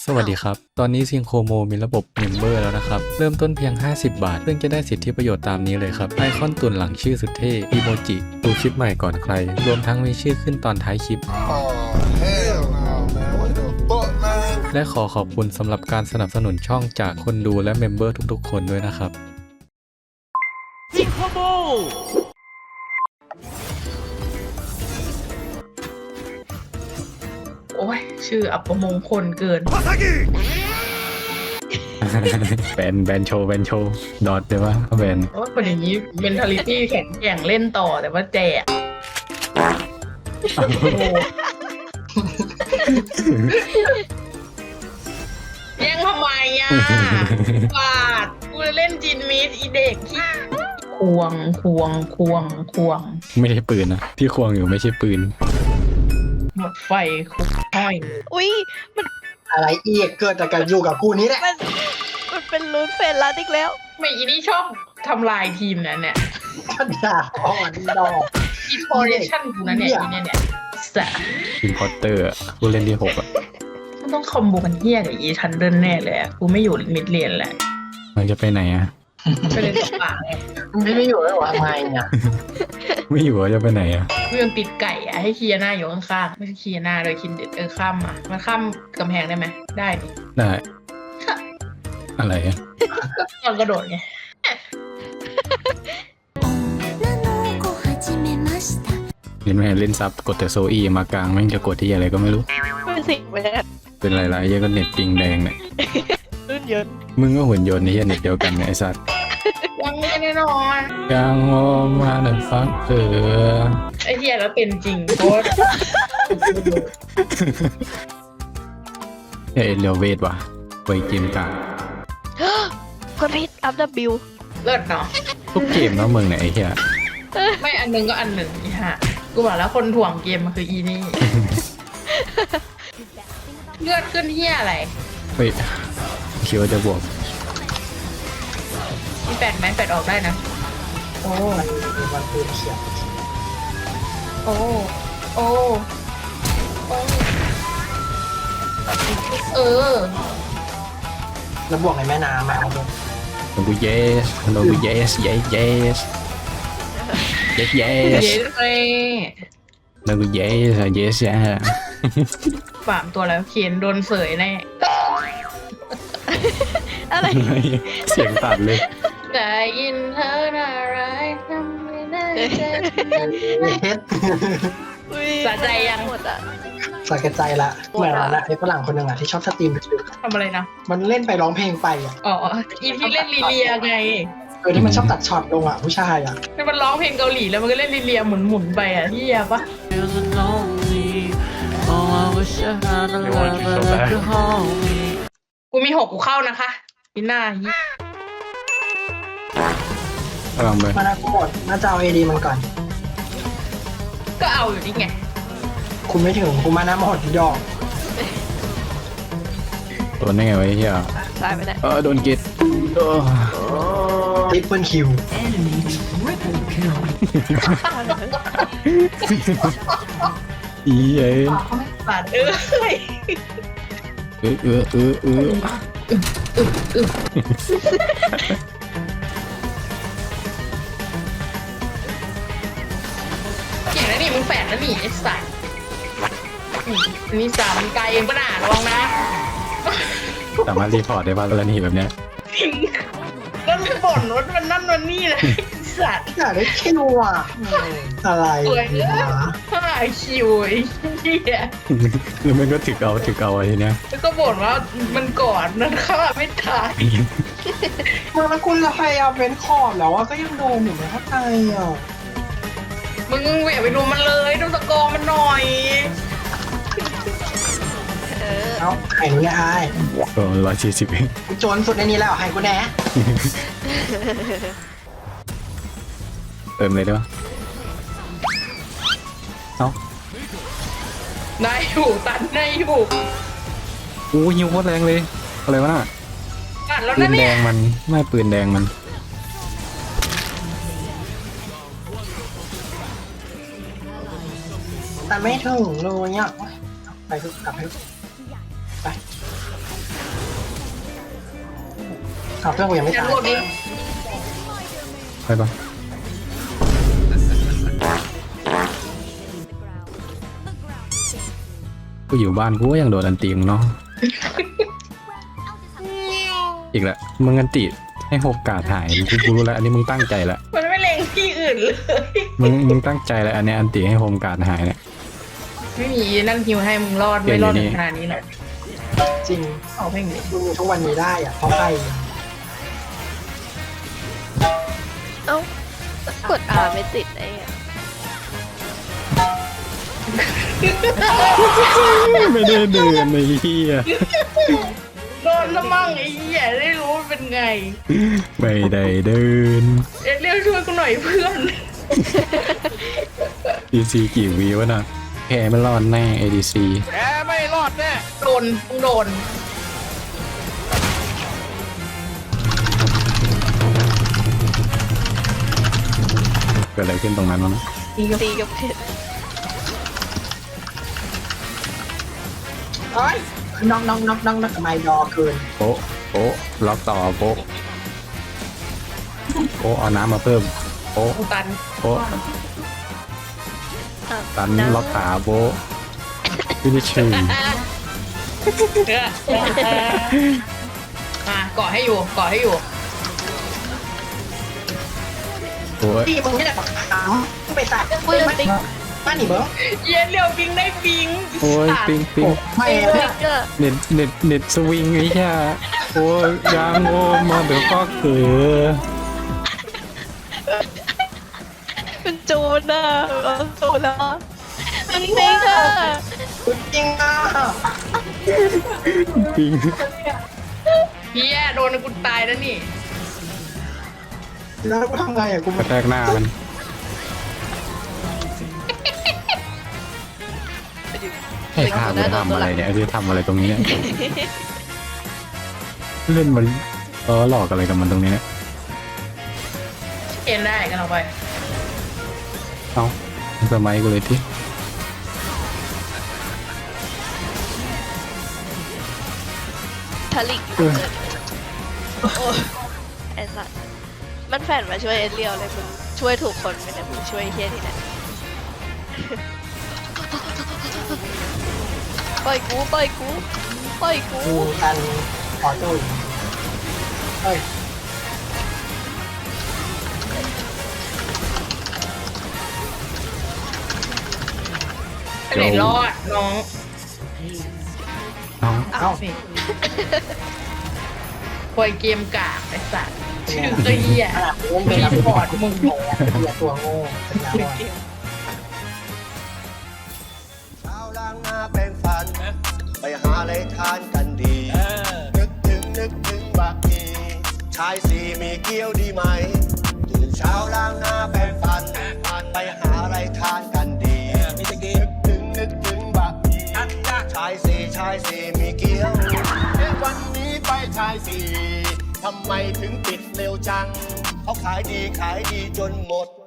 สวัสดีครับ ตอนนี้ซิงโครโมมีระบบเมมเบอร์แล้วนะครับ เริ่มต้นเพียง 50 บาท ซึ่งจะได้สิทธิประโยชน์ตามนี้เลยครับ ไอคอนตุ่นหลังชื่อสุดเท่อีโมจิดูคลิปใหม่ก่อนใคร รวมทั้งมีชื่อขึ้นตอนท้ายคลิป Hell no, man. What the fuck, man? และขอขอบคุณสำหรับการสนับสนุนช่องจากคนดูและเมมเบอร์ทุกๆ คนด้วยนะครับโอ้ยชื่ออัปมงคลเกินแบนโชว์ดอทเดี๋ยวว่าแบนเพราะว่าคนอย่างนี้ mentality แข็งแกร่งเล่นต่อแต่ว่าแจกโอ้โหยังทำไมอ่ะบาดกูจะเล่นจินมิดอีเด็กที่ควงไม่ใช่ปืนนะที่ควงอยู่ไม่ใช่ปืนหมดไฟคุกห้อยอุ้ยอะไรอีกเกิดจากการอยู่กับกูนี้แหละมันเป็นรูนเฟรนลัดอีกแล้วไม่อีนี่ชอบทำลายทีมนั้นเนี่ยปัญญาอ่อนดอกอินโฟเรชั่นกูนะเนี่ยอีเนี่ยสะอินพอร์เตอร์ผู้เล่นที่ 6 อ่ะมันต้องคอมโบกันเฮี้ยกับอีทันเดิลแน่เลยอะกูไม่อยู่มิดเลนแหละมันจะไปไหนอ่ะไปเล่นตกปลาไงไม่อยู่แล้ววะทำไมเนี่ยไม่อยู่จะไปไหนอ่ะกูยังติดไก่อะให้เคลียร์หน้าอยู่ข้างๆไม่ใช่เคลียร์หน้าเลยคินเด็ดข้ามมามันข้ามกำแพงได้ไหมได้นี่ได้ อะไรอ่ะตอนกระโดดไงเล่นไม่เล่นซับกดแต่โซอีมากลางแม่งจะกดที่อะไรก็ไม่รู้เป็นสิ่งแวดเป็นไรๆเหี้ยก็เน็ตปิงแดงเนี่ยรุ่นยนต์มึงก็หุ่นยนต์นี่เน็ตเดียวกันเนี่ยไอ้สัตว์ยังไม่แน่นอนยังโอมาเดินฟังไอ้เฮียแล้วเป็นจริงโคตรเอยเรียวเวทว่ะไปเกมกลางเพื่อนพิษอัพดับบิวเลิศเนาะทุกเกมแล้วมึงเนี่ยไอ้เหี้ยไม่อันหนึงก็อันหนึ่งอีห่ากูบอกแล้วคนถ่วงเกมมันคืออีนี่ เลือดขึ้นเฮียอะไรเฮ้ยคิดว่าจะบวกมีแปดไหมแปดออกได้นะโอ้มันปืนเขียวโอ้โอ้โอ้เออแล้วบวกในแม่น้ำอ่ะเอาดูโนบุเยสโนบุเยสเยสเยสเยสเยเย้สเลยโนบุเยสเยสเยสฝามตัวแล้วเขียนโดนเสยแน่อะไรเสียงตัดเลยได้ยินเธอน่ารักทำไม่ได้เจ็บเฮ็ดอุ้ยสะใจยังหมดอ่ะสะแกใจละเหมือนวันละไอ้ฝรั่งคนหนึ่งอ่ะที่ชอบสตรีมทำอะไรนะมันเล่นไปร้องเพลงไปอ่ะอ๋ออีที่เล่นลีเลียไงที่มันชอบตัดช็อตลงอ่ะผู้ชายอ่ะที่มันร้องเพลงเกาหลีแล้วมันก็เล่นลีเลียหมุนๆไปอ่ะที่ยปะ กูมี6กูเข้านะคะพี่หน้ายี่ลองไปมานากูหมดน่าจะเอาเอดีมันก่อนก็เอาอยู่นี่ไงคุณไม่ถึงกูมานาหมดดอกโดนได้ไงวะไอ้เหี้ยตายไปได้โดนกิดทริปเปิลคิวอีเอ้ยบาดเอ้ย เก่งนะนี่มึงแฝดนะนี่ไอ้สัตว์นี่สามไกลเองปะหนาระวังนะสามารถรีพอร์ตได้ป่ะกรณีแบบเนี้ยแล้วมึงบ่นว่ามันนั่นมันนี่เลยไอ้สัตว์อยากได้คิวอ่ะอะไรสวยเลยวะห้าคิวไอ้เหี้ยแล้วมันก็ถึกเอาไอ้ทีเนี้ยแล้วก็บ่นว่ามันก่อนนั่นฆ่าไม่ตายมันแล้วคุณจะพยายามเว้นขอบแล้วว่าก็ยังโดนอยู่นะเข้าใจอ่ะมึงอย่าไปดูมันเลยดูตะกอมันหน่อยเอ้าไข่หนูเนี่ยอายก็140เองกูโจรสุดในนี้แล้วไข่กูแน่เติมเลยได้ปะเอ้าได้อยู่ตัดได้อยู่โอ้ยิงโคตรแรงเลย อะไรวะน่ะตัดแล้วปืนะนแดเนี่ยงมันไม่ปืนแดงมันแต่ไม่ถึงเลยเนี่ยไปทุกกลับไปทุกไปเพื่อนกูยังไม่ฉันตายรวบดิไปปะกูอยู่บ้านกูก็ยังโดนอันตีมึงเนาะ อีกแล้วมึงอันติให้โอกาสหายกูรู้แล้วอันนี้มึงตั้งใจละมันไม่เล็งที่อื่นเลยมึงตั้งใจแล้วอันเนี้ยอันติให้โฮมการดหายเนี่ยไม่มีนั่นฮิวให้มึงรอดไม่รอดถึงขนาดนี้หรอกจริงเอาเพลงนี้มึงทุกวันนี้ได้อ่ะเพราะใครเอ้ากด R ไม่ติดไอ้อะไม่ได้เดินไอ้เหี้ยโดนละมั่งไอ้เหี้ยได้รู้ว่าเป็นไงไม่ได้เดินเรียกช่วยกูหน่อยเพื่อน DC กี่วีวะน่ะแพ้ไม่รอดแน่ ADC โดนมึงโดนเกิดอะไรขึ้นตรงนั้นวะนะตีกับเพชรเอ้ยน้องทำไมดอเกินโป๊ะโป๊ะล็อกต่อโป๊ะโป๊ะเอาน้ำมาเพิ่มโป๊ะกูตันโป๊ะตันล็อกขาโป๊ะฟินิชชิ่งมาเกาะให้อยู่เกาะให้อยู่โอ้ยที่มึงไม่ได้ปักขาวมึงไปตัดปืนติ๊กบ้านหนีเบิ้งเย็นเร็วปิงได้ปิงโอ้ยปิงปิงไม่ติ๊กเกอร์เน็ตสวิงไอ้เหี้ยโอ้ยยางโง่มาเดี๋ยวก็เขือเป็นจูนอ่ะเอาจูนแล้วมันติ๊กอ่ะคุณจริงอ่ะปิงเฮียโดนกูตายแล้วนี่แล้วกูทำไงอ่ะกูกระแทกหน้ามันไอ้ข้ามันทำอะไรเนี่ยไอ้ที่ทำอะไรตรงนี้เนี่ยเล่นมันหลอกอะไรกับมันตรงนี้เนี่ยเอ็นได้กันเอาไปเอ้าสมัยกูเลยที่ทะลิกอยู่เกิดโอ้ยไอ้สัตว์มันแฝนมาช่วยเอเรียวเลยมึงช่วยถูกคนไม่ได้มึงช่วยเฮียที่ไหนปล่อยกูปล่อยกูปล่อยกูดูกันขอจุยเฮ้ยไปไหนรอดน้องเอ้าเอาสิปล่อยเกมกากไอ้สัตว์ชื่อก็เหี้ยขนาดมึงเป็นนักบอร์ดมึงโง่อย่าตัวโง่เป็นยาบอดเช้าล้างหน้าแปรงฟัน ไปหาอะไรทานกันดี นึกถึงบางทีชายสี่มีเกี้ยวดีไหมตื่นเช้าล้างหน้าแปรงฟัน ไปหาอะไรทานกันดีนึกถึงบางทีชายสี่มีเกี้ยววันนี้ไปชายสี่ทำไมถึงปิดเร็วจัง เขาขายดีจนหมด